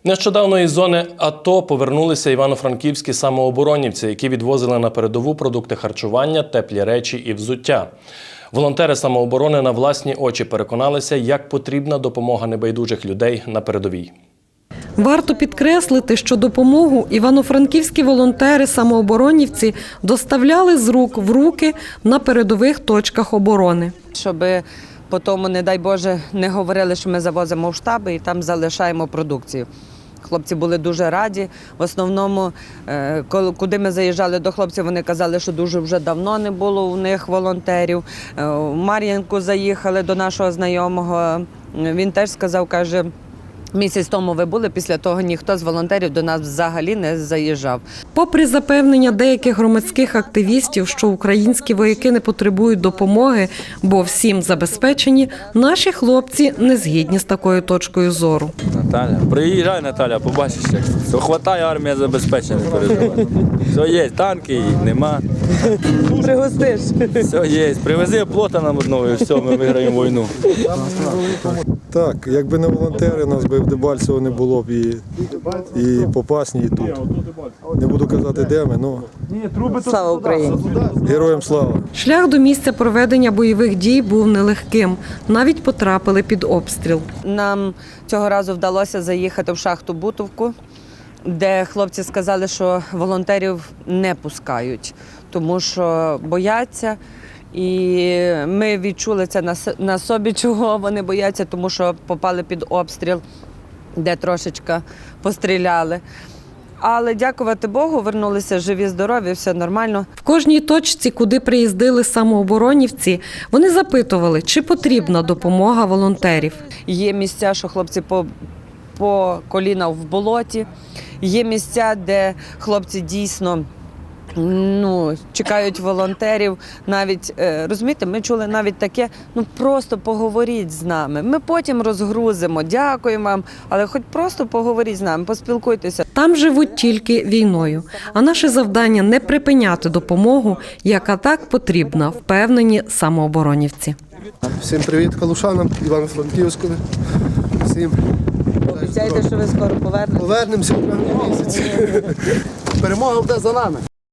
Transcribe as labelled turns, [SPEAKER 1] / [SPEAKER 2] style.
[SPEAKER 1] Нещодавно із зони АТО повернулися івано-франківські самооборонівці, які відвозили на передову продукти харчування, теплі речі і взуття. Волонтери самооборони на власні очі переконалися, як потрібна допомога небайдужих людей на передовій.
[SPEAKER 2] Варто підкреслити, що допомогу івано-франківські волонтери-самооборонівці доставляли з рук в руки на передових точках оборони.
[SPEAKER 3] Щоб потім, не дай Боже, не говорили, що ми завозимо в штаби і там залишаємо продукцію. Хлопці були дуже раді. В основному, куди ми заїжджали до хлопців, вони казали, що дуже вже давно не було у них волонтерів. В Мар'їнку заїхали до нашого знайомого. Він теж сказав, каже, місяць тому ви були, після того ніхто з волонтерів до нас взагалі не заїжджав.
[SPEAKER 2] Попри запевнення деяких громадських активістів, що українські вояки не потребують допомоги, бо всім забезпечені, наші хлопці не згідні з такою точкою зору.
[SPEAKER 4] Наталя, приїжджай, Наталя, побачиш, як все хватає, армія забезпечена, не переживай. Все є, танки їх нема.
[SPEAKER 3] Пригостиш.
[SPEAKER 4] Все є, привези плота нам одного і все, ми виграємо війну.
[SPEAKER 5] Так, якби не волонтери, нас би в Дебальцево не було б і Попасні, і тут. Не буду казати, де ми, але
[SPEAKER 3] Слава Україні!
[SPEAKER 5] героям слава!
[SPEAKER 2] Шлях до місця проведення бойових дій був нелегким. Навіть потрапили під обстріл.
[SPEAKER 3] Нам цього разу вдалося заїхати в шахту Бутовку, де хлопці сказали, що волонтерів не пускають, тому що бояться. І ми відчули це на собі, чого вони бояться, тому що попали під обстріл, де трошечки постріляли. Але, дякувати Богу, вернулися живі, здорові, все нормально.
[SPEAKER 2] В кожній точці, куди приїздили самооборонівці, вони запитували, чи потрібна допомога волонтерів.
[SPEAKER 3] Є місця, що хлопці по коліна в болоті, є місця, де хлопці дійсно чекають волонтерів. Навіть, розумієте, ми чули навіть таке, просто поговоріть з нами. Ми потім розгрузимо, дякуємо вам, але хоч просто поговоріть з нами, поспілкуйтеся.
[SPEAKER 2] Там живуть тільки війною. А наше завдання – не припиняти допомогу, яка так потрібна, впевнені самооборонівці.
[SPEAKER 6] Всім привіт калушанам, Івано-Франківському. Всім.
[SPEAKER 3] Обіцяйте, що ви скоро повернетеся?
[SPEAKER 6] Повернемося в травні місяці. Перемога буде за нами.